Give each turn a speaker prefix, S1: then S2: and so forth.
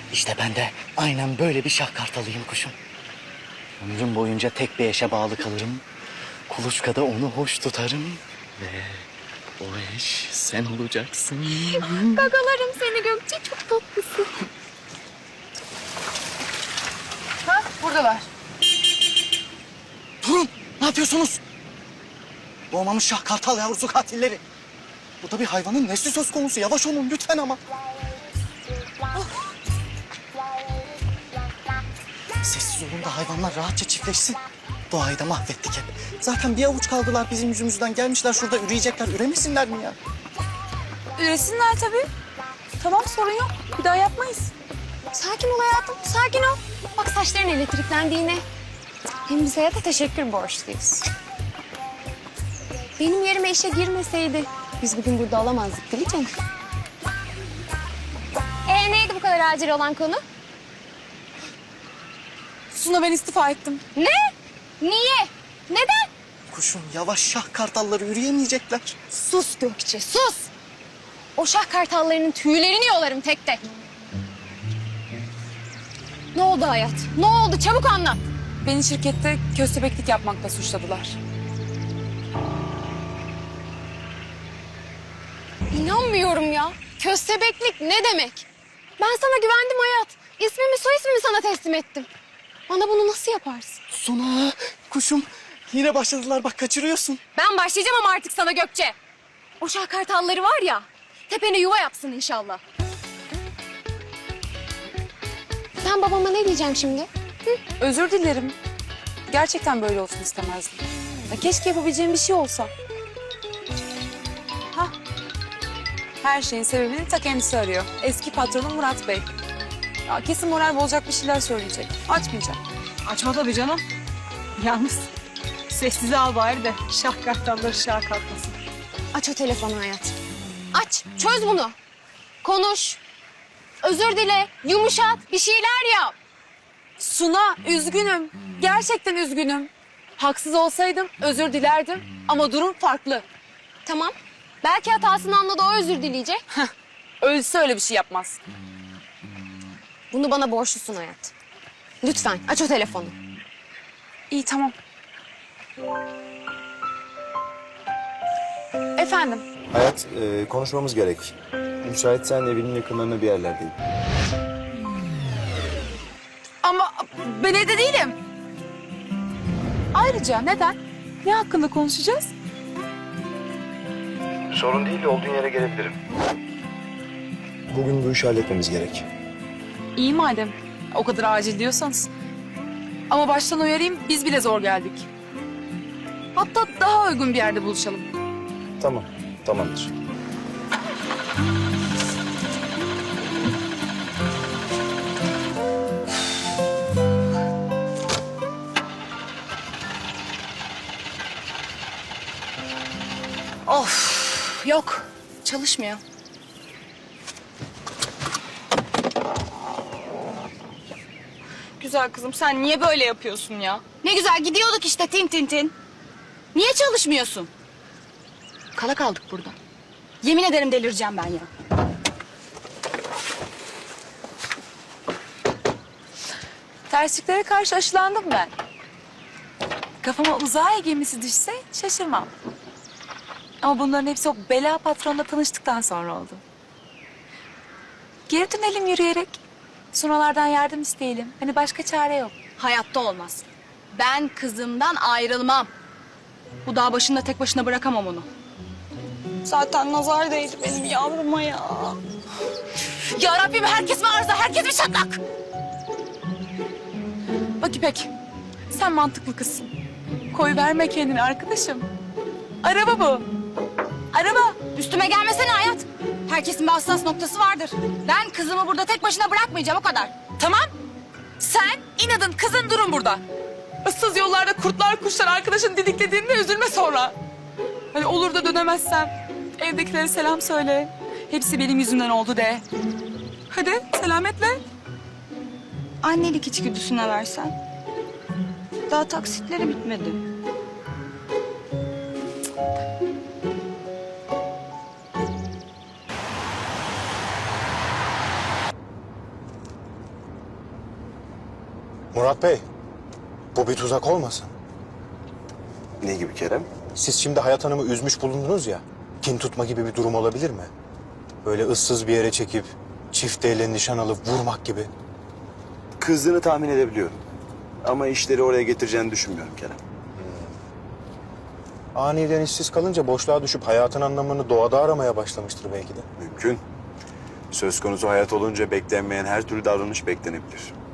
S1: İşte ben de aynen böyle bir şah kartalıyım kuşum. Ömrüm boyunca tek bir eşe bağlı kalırım. Kuluçkada onu hoş tutarım. Ve o eş sen olacaksın.
S2: Gagalarım seni Gökçe, çok tatlısın. Ha, buradalar.
S1: Durun! Ne yapıyorsunuz? Doğmamış şah kartal yavrusu katilleri. Bu da bir hayvanın nesli söz konusu. Yavaş olun lütfen ama. Sessiz olun da hayvanlar rahatça çiftleşsin. Doğayı da mahvettik hep. Zaten bir avuç kaldılar bizim yüzümüzden. Gelmişler şurada üreyecekler. Üremesinler mi ya?
S3: Üresinler tabii. Tamam, sorun yok. Bir daha yapmayız.
S2: Sakin ol hayatım, sakin ol. Bak saçların elektriklendi yine. Hem biz hayata teşekkür borçluyuz. Benim yerime işe girmeseydi biz bugün burada olamazdık değil mi canım? Neydi bu kadar acil olan konu?
S3: Suna, ben istifa ettim.
S2: Ne? Niye? Neden?
S1: Kuşum yavaş şah kartalları üreyemeyecekler.
S2: Sus Gökçe, sus! O şah kartallarının tüylerini yolarım tek tek. Ne oldu hayat? Ne oldu? Çabuk anlat.
S3: Beni şirkette köstebeklik yapmakla suçladılar.
S2: İnanmıyorum ya. Köstebeklik ne demek? Ben sana güvendim hayat. İsmimi soy ismimi sana teslim ettim. Bana bunu nasıl yaparsın?
S1: Suna kuşum yine başladılar bak kaçırıyorsun.
S2: Ben başlayacağım ama artık sana Gökçe. O şah kartalları var ya, tepene yuva yapsın inşallah. Ben babama ne diyeceğim şimdi?
S3: Özür dilerim. Gerçekten böyle olsun istemezdim. Ya keşke yapabileceğim bir şey olsa. Hah. Her şeyin sebebini ta kendisi arıyor. Eski patronum Murat Bey. Ya kesin moral bozacak bir şeyler söyleyecek. Açmayacak.
S4: Açma tabii canım. Yalnız sessize al bari de şah kartalları şah kalkmasın.
S2: Aç o telefonu hayat. Aç, çöz bunu. Konuş. Özür dile, yumuşat, bir şeyler yap.
S3: Suna, üzgünüm. Gerçekten üzgünüm. Haksız olsaydım özür dilerdim ama durum farklı.
S2: Tamam. Belki hatasını anladı, o özür dileyecek.
S3: Ölse öyle bir şey yapmaz.
S2: Bunu bana borçlusun hayat. Lütfen aç o telefonu.
S3: İyi, tamam. Efendim?
S5: Hayat, konuşmamız gerek. Müsaitsen evinin yakınlarında bir yerlerdeyim.
S3: Ama ben evde değilim. Ayrıca neden? Ne hakkında konuşacağız?
S5: Sorun değil, olduğun yere gelebilirim. Bugün bu işi halletmemiz gerek.
S3: İyi madem. O kadar acil diyorsanız. Ama baştan uyarayım, biz bile zor geldik. Hatta daha uygun bir yerde buluşalım.
S5: Tamam, tamamdır.
S4: Of yok çalışmıyor. Güzel kızım sen niye böyle yapıyorsun ya? Ne güzel gidiyorduk işte tin tin tin. Niye çalışmıyorsun? Kala kaldık burada. Yemin ederim delireceğim ben ya.
S3: Tersliklere karşı aşılandım ben. Kafama uzay gemisi düşse şaşırmam. Ama bunların hepsi o bela patronla tanıştıktan sonra oldu. Geri dönelim yürüyerek. Sunalardan yardım isteyelim. Hani başka çare yok.
S4: Hayatta olmaz. Ben kızımdan ayrılmam. Bu dağ başında tek başına bırakamam onu. Zaten nazar değdi benim yavruma ya.
S3: Ya Rabbim, herkes mi arıza, herkes mi çatlak? Bak İpek, sen mantıklı kızsın. Koy verme kendini arkadaşım. Araba bu. Araba.
S4: Üstüme gelmesene hayat. Herkesin bir hassas noktası vardır. Ben kızımı burada tek başına bırakmayacağım o kadar.
S3: Tamam. Sen inadın kızın durun burada. Issız yollarda kurtlar kuşlar arkadaşın didiklediğinde üzülme sonra. Hani olur da dönemezsem evdekilere selam söyle. Hepsi benim yüzümden oldu de. Hadi selametle.
S4: Annelik içgüdüsüne versen. Daha taksitleri bitmedi.
S6: Murat Bey, bu bir tuzak olmasın.
S5: Ne gibi Kerem?
S6: Siz şimdi Hayat Hanım'ı üzmüş bulundunuz ya. Kin tutma gibi bir durum olabilir mi? Böyle ıssız bir yere çekip çift elle nişan alıp vurmak gibi.
S5: Kızdığını tahmin edebiliyorum. Ama işleri oraya getireceğini düşünmüyorum Kerem.
S6: Aniden işsiz kalınca boşluğa düşüp hayatın anlamını doğada aramaya başlamıştır belki de.
S5: Mümkün. Söz konusu hayat olunca beklenmeyen her türlü davranış beklenebilir.